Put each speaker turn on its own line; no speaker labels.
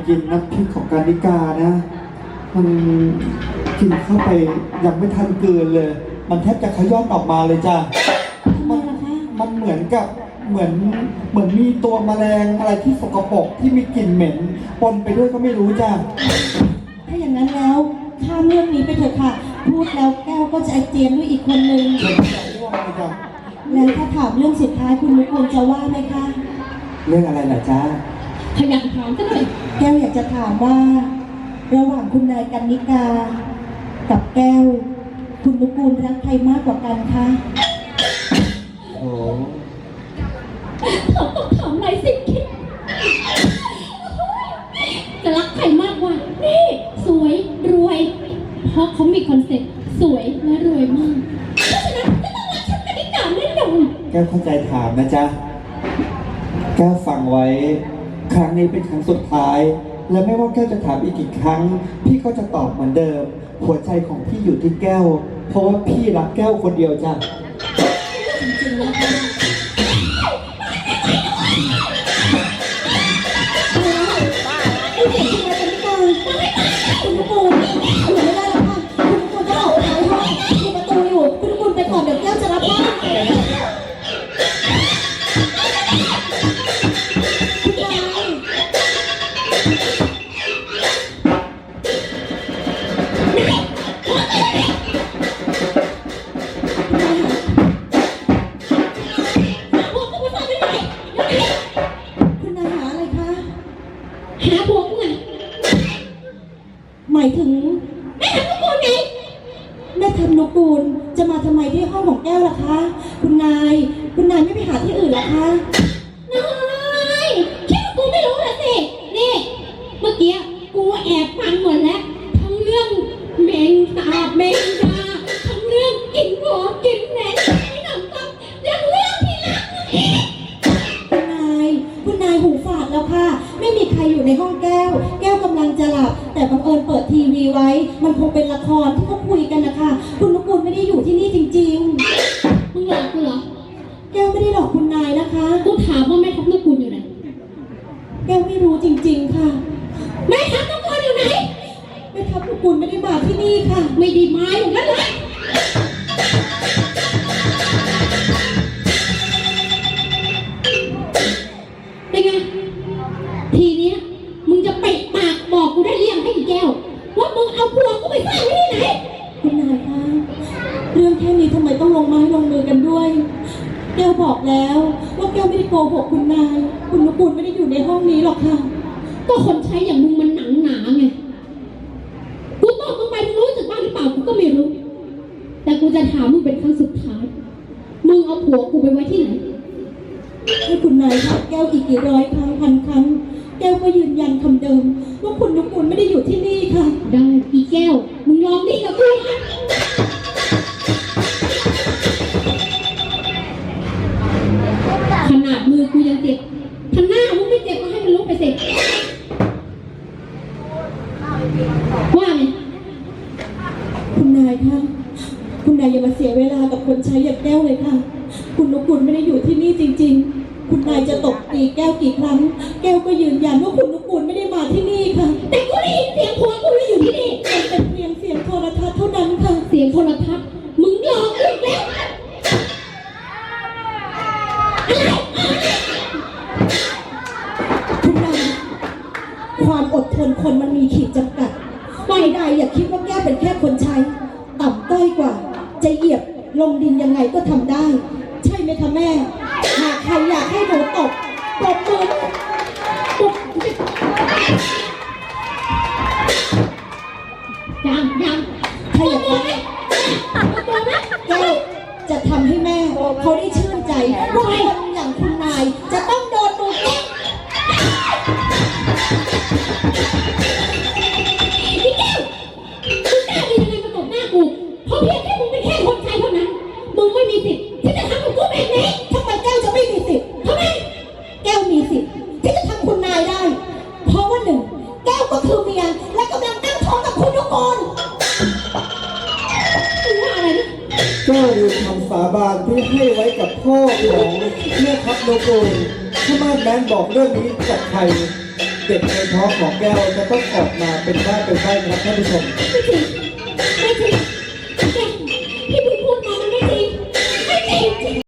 กินน้ำพริกของการนิกานะมันกินเข้าไปยังไม่ทันเกินเลยมันแทบจะขย้อนออกมาเลยจ้ะมันเหมือนกับเหมือนมีตัวแมลงอะไรที่สกปรกที่มีกลิ่นเหม็นปนไปด้วยก็ไม่รู้จ้ะ
ถ้าอย่างนั้นแล้วข้ามเรื่องนี้ไปเถอะค่ะพูดแล้วแก้วก็จะอาเจียนด้วยอีกคนนึงแล้วถ้าถามเรื่องสุดท้ายคุณนุกูลจะว่าไหมคะ
เรื่องอะไรล่ะจ๊ะ
ขยันถามกันเลย
แก้วอยากจะถามว่าระหว่างคุณนายกันนิกากับแก้วคุณนุกูลรักใครมากกว่ากันคะ
โอ้
เขาต้องถามอะไรสิคิดจะรักใครมากกว่านี่สวยรวยเพราะเขามีคอนเซ็ปต์สวยและรวยมากเพราะฉะนั้นก็ต้องรักฉันกันนิกาแน่นอน
แก้วเข้าใจถามนะจ๊ะแก้วฟังไว้ครั้งนี้เป็นครั้งสุดท้ายและไม่ว่าแก้วจะถามอีกกี่ครั้งพี่ก็จะตอบเหมือนเดิมหัวใจของพี่อยู่ที่แก้วเพราะว่าพี่รักแก้วคนเดียวจ้ะ
จริงๆนะคะคุณนุกูลอยู่ไม่ได้แล้วค่ะคุณนุกูลจะออกไปห้องมีประตูอยู่คุณนุกูลไปก่อนเดี๋ยวแก้วจะรับบ้านหมายถึงแม่ทำนุกูลไงแม่ทำนุกูลจะมาทำไมที่ห้องของแก้วล่ะคะคุณนายไม่ไปหาที่อื่นล่ะคะ
นายคิดว่ากูไม่รู้ละสินี่เมื่อกี้กูแอบฟังหมดแล้วทั้งเรื่องเมงตาเมงดาทั้งเรื่องกินหัวกินแหนไอ้หนังซ้ำยังเรื่องที่รักอีก
คุณนายหูฝาดแล้วค่ะไม่มีใครอยู่ในห้องแก้วกำลังจะหลับแต่บังเอิญเปิดทีวีไว้มันคงเป็นละครที่เขาคุยกันนะคะคุณนุกูลไม่ได้อยู่ที่นี่จริง
ๆมึงหลอกกูเหรอ
แก้วไม่ได้หลอกคุณนายนะคะ
กูถามว่าแม่ทัพนุกูลอยู่ไหน
แก้วไม่รู้จริงๆค่ะ
แม่ทัพนุกูลอยู่ไหน
แม่ทัพนุกูลไม่ได้มาที่นี่ค่ะ
ไม่ได้มาอย่างนั้นเลยเป็นไงทีเนี้ยมึงจะปิดปากบอกกูได้เรียงให้อีแก้วว่ามึงเอาผัวกูไปซ่อนไว้ที่ไหน
คุณนายคะเรื่องแค่นี้ทำไมต้องลงไม้ลงมือกันด้วยแก้วบอกแล้วว่าแก้วไม่ได้โกหกคุณนายคุณนุกูลไม่ได้อยู่ในห้องนี้หรอกค่ะ
ก็คนใช้อย่างมึงมันหนังหนาไงกูตอบมึงไปมึงรู้สึกบ้างหรือเปล่ากูก็ไม่รู้แต่กูจะถามมึงเป็นครั้งสุดท้ายมึงเอาผัวกูไปไว้ที่ไหน
ให้คุณนายถามแก้วอีกกี่ร้อยครั้งพันครั้งแก้วก็ยืนยันคำเดิมว่าคุณนุกูลไม่ได้อยู่ที่นี่ค่ะ
ได้อีแก้วมึงลองนี่กับกูขนาดมือกูยังเจ็บถ้าหน้ามึงไม่เจ็บก็ให้มันลุกไปเสร็จว่าไง
คุณนายคะคุณนายอย่ามาเสียเวลากับคนใช้อย่างแก้วเลยค่ะคุณนุกูลไม่ได้อยู่ที่นี่จริงๆคุณนายจะตบตีแก้วกี่ครั้งแก้วก็ยืนยันว่าคุณนุกูลไม่ได้มาที่นี่ค่ะ
แต่กูได้ยินเสียงผัวกูอยู่ที่นี่
เป็นเพียงเสียงโทรทัศน์เท่านั้นค่ะ
เสียงโทรทัศน์มึงหลอกกูแล้ว
คุณนายความอดทนคนมันมีขีดจำกัดฝ่ายใดอย่าคิดว่าแก้วเป็นแค่คนใช้ต่ำต้อยกว่าจะเหยียบลงดินยังไงก็ทำได้ใช่ไหมคะแม่หากใครอยากให้หนูตบมือ
ยัง
ถ้าอยากได้แก้วจะทำให้แม่เขาได้ชื่นใจว่าคนอย่างคุณนายจะต้องโดนดูแก้ว
พี่แก้วคุณกล้าดียังไงมาตบหน้ากูเพราะเพียงแค่มึงเป็นแค่คนใช้เท่านั้นมึงไม่มีสิทธิ์ที่จะทำกับกูแบบนี้
ทำไมแก้วจะไม่มีสิทธิ์
ทำไม
แก้วมีสิทธิ์ที่จะทำคุณนายได้เพราะว่าหนึ่งแก้วก็คือเมียและกำลังตั้งท้องกับคุณนุกูล
ว่าอะไรนะ
ก็คือคำสาบานที่ให้ไว้กับพ่อของแม่ทัพนุกูลถ้ามาแมนบอกเรื่องนี้กับใครเด็กในท้องของแก้วจะต้องออกมาเป็นบ้าเป็นใบ้นะครับท่านผู้ชม
ไม่จริง